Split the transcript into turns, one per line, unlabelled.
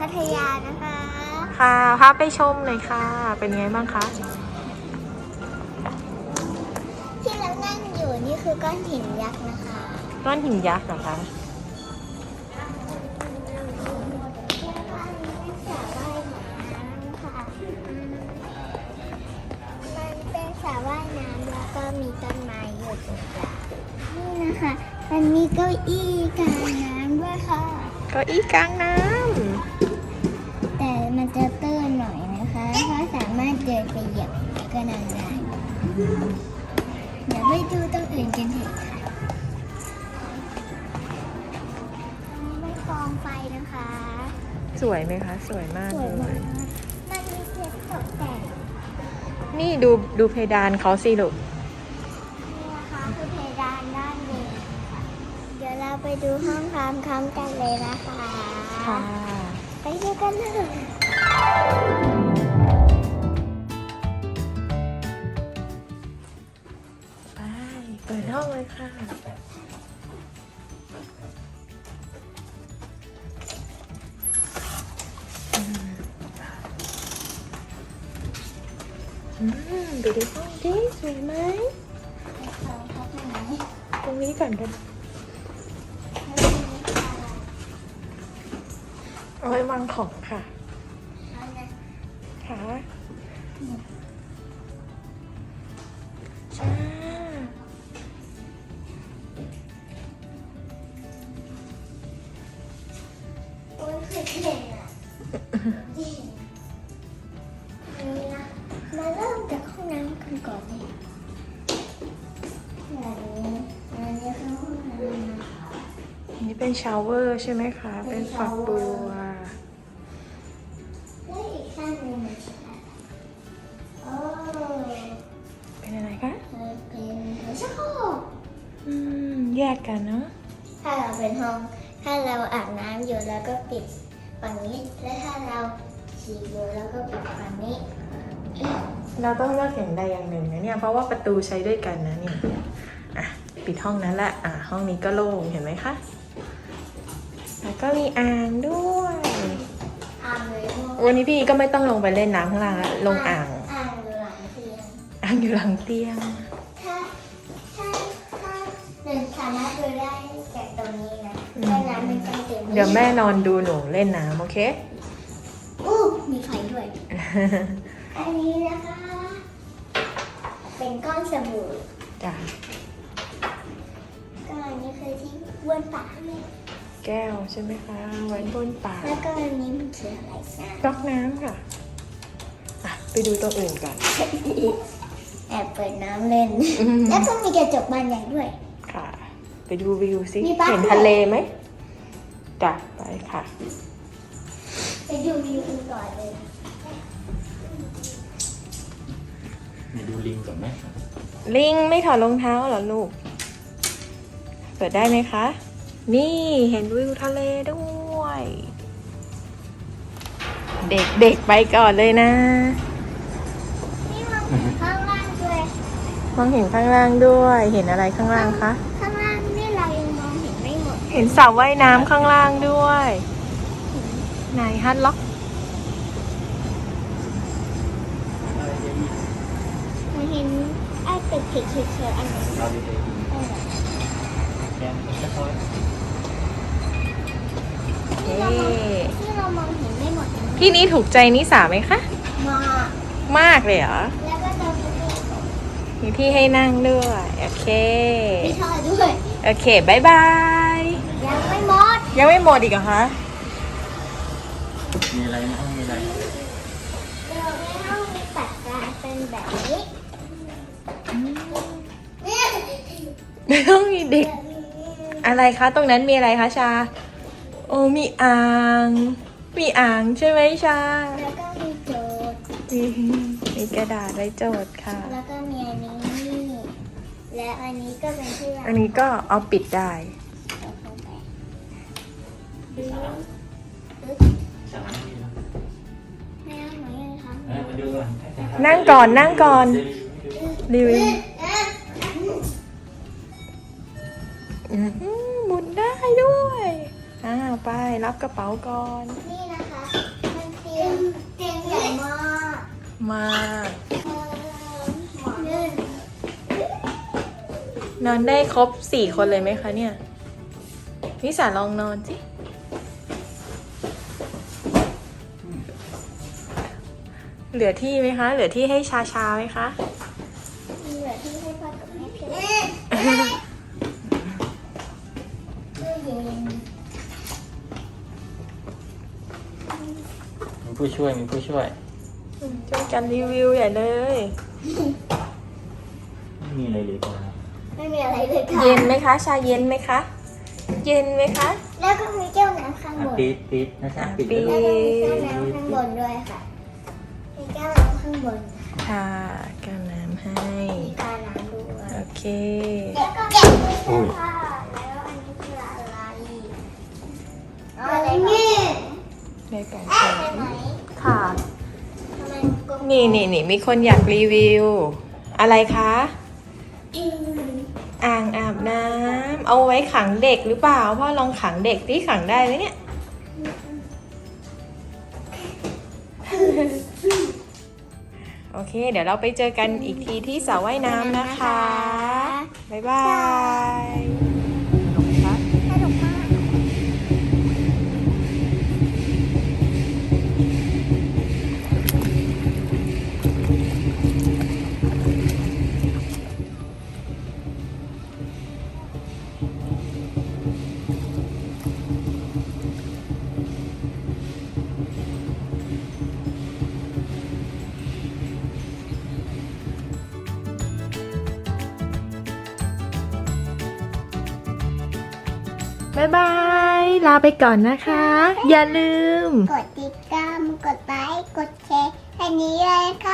พัทยานะคะ
ค่ะพาไปชมเลยค่ะ เป็นไงบ้างคะ
ที่เรานั่งอยู่นี่คือก้อนหินยักษ์นะคะ
ก้อนหินยักษ์เหรอคะ
สระว่ายน้ำแล้วก็มีต้นไม้อยู่ตรงกลางนี่นะคะมันมีเก้าอี้กลางน้ำด้วยค่ะ
เก้าอี้กลางน้
ำแต่มันจะตื้นหน่อยนะคะเพราะสามารถเดินไปเหยียบก็นานได้เดี๋ยวไปดูตรงอื่นกันเถอะค่ะไม่กองไฟนะคะ
สวยไหมคะสวยมากเลย
มันมีเพชรตกแต่ง
นี่ดูเพดานเขาสิลูก
นี่นะคะคือเพดานด้านบนเดี๋ยวเราไปดูห้องพร้อมๆกันเลยนะคะ
ค่ะ
ไปดูกันเลย
ไปเปิดห้องเลยค่ะดูในห้องดิสวยไหมตรงนี้ก่อนกันเอาไว้วางของค่ะค่ะจ้า
โอ้ยเคยเห็นอ่ะนี่นะมาเริ่มจากห้องน้ำกันก่อนเลยอันนี้คือห้องน้ำนะคะ
อันนี้เป็นชาวเวอร์ใช่ไหมคะ เป็นฝักบัว
และอีกข้างหนึ่งมันเป็นอะไรโอ้
เป็นอะไรคะ
เป็นหัวชักโครก
แยกกันเนาะ
ถ้าเราเป็นห้องถ้าเราอาบน้ำอยู่แล้วก็ปิดฝั่งนี้และถ้าเราฉี่อยู่แล้วก็ปิดฝั่งนี้
เราต้องเลือกอย่างใดอย่างหนึ่งนะเนี่ยเพราะว่าประตูใช้ด้วยกันนะเนี่ยอ่ะปิดห้องนั้นแหละห้องนี้ก็โล่งเห็นไหมคะแล้วก็มีอ่างด้วย
อ่างเลย
วันนี้พี่ก็ไม่ต้องลงไปเล่นน้ำข้างล่างแล้วลงอ่าง
อ่างอยู่หลังเตียง
อ่างอยู่หลังเตียง
ถ้าหนึ่งสามารถดูได้จากตรงนี้นะแต่น้ำมันจะเต็ม
เดี๋ยวแม่นอนดูหนูเล่นน้ำโอเค
อู้มีไฟด้วย อันนี้นะคะ เป็นก้อนสบู่
จ้ะ
ก็อันนี้คือที่บ้วนปากแม่
แก้วใช่ไหมคะไว้บนปาก
แล้วก็อันนี้มันคืออะไรนะ
ก๊อกน้ำค่ะไปดูตัวอื่นกัน
แอบเปิดน้ำเล่น แล้วก็มีกระจกบานใหญ่ด้วย
ค่ะ ไปดูวิวสิ
มีปลา
เห็นทะเลไหมจ้ะไปค่ะ
ไปดูวิวกันก่อนเลย
มาดูลิงก่อนไหม
ลิงไม่ถอดรองเท้าเหรอลูก เปิดได้ไหมคะ นี่เห็นวิวทะเลด้วย เด็กๆไปก่อนเลยนะ
นี่มองเห็นข้างล่างด้วย
มองเห็นข้างล่างด้วย เห็นอะไรข้างล่างคะ
ข้างล่างนี่เรายังมองเห็นไม่หมด
เห็นสระว่ายน้ำข้างล่างด้วย ไหนฮัทล็อก
มันเห็นไอ้ตึกเฉยๆอันนั้น
เราดีๆแกนก็ค่อย
ที่เรามองเห็นไม่หมด
ที่นี้ถูกใจนิสาไหมคะ
มาก
มากเลยเหรอ
แล้วก็จะมีที่
มีที่ให้นั่งด้วย โอเค
มีท่อด้วย
โอเคบายบาย
ยังไม่หมด
ยังไม่หมดอีกเหรอคะ
มีอะไรในห้องมีอะไร
เราในห้องมีปัดกลางเป็นแบบนี้เนี่ย
ไม่ต้องมีเด็ก อะไรคะ ตรงนั้นมีอะไรคะชา โอ้มีอ่าง มีอ่างใช่ไหมชา
แล้วก็มีโจทย์
มีกระดาษไว้โจทย์ค่ะ
แล้วก็มีอันนี้ และอันนี้ก็เป็นที่วาง
อันนี้ก็เอาปิดได้
เอาเข้าไป
สามมีแล้ว
แม่เอาหนูยังทำ
มาดูก่อน
นั่งก่อนนั่งก่อนรีวิวหมุนได้ด้วยไปรับกระเป๋าก่อน
นี่นะคะเตียงใหญ่มาก
มาก
หมอนลื่น
นอนได้ครบ4 คนเลยไหมคะเนี่ยนิสาลองนอนสิเหลือที่ไหมคะ เหลือที่ให้ชาไหมคะ
มีเหลือที่ให้พ่อกับแม่เพียงตู้เย็น
มีผู้ช่วย
ช่วยกันรีวิวใหญ่เลย
ไม่มีอะไรเลยครับ
ไม่มีอะไรเลยค่ะ
เย็นไหมคะ ชาเย็นไหมคะ เย็นไหมคะ
แล้วก็มีแก้วน้ำข้างบน
ปิดนะจ๊ะปิด
ปิด
แล้วก็มีแก้วน้ำข้างบนด้วยค่ะมีแก้วน้ำข้างบน
ค่ะแก้วน้ำให้
มีการน้ำด้วย
โอเค
แล้วก็แกะด้วยค่ะแล้วอันนี้คืออะไรอะไรนี่
ในกล่อง
ใช่ไหม
ค่ะ
ทำไมกลม
นี่มีคนอยากรีวิว อะไรคะ
อืม
อ่างอาบน้ำเอาไว้ขังเด็กหรือเปล่าพ่อลองขังเด็กที่ขังได้ไหมเนี่ย โอเค เดี๋ยวเราไปเจอกันอีกทีที่สระว่ายน้ำนะคะ บ๊ายบายสนุกไหมคะ
สนุกมาก
บ๊ายบาย ลาไปก่อนนะคะ อย่าลืม
กดติดตาม กดไลค์ กดแชร์อันนี้เลยค่ะ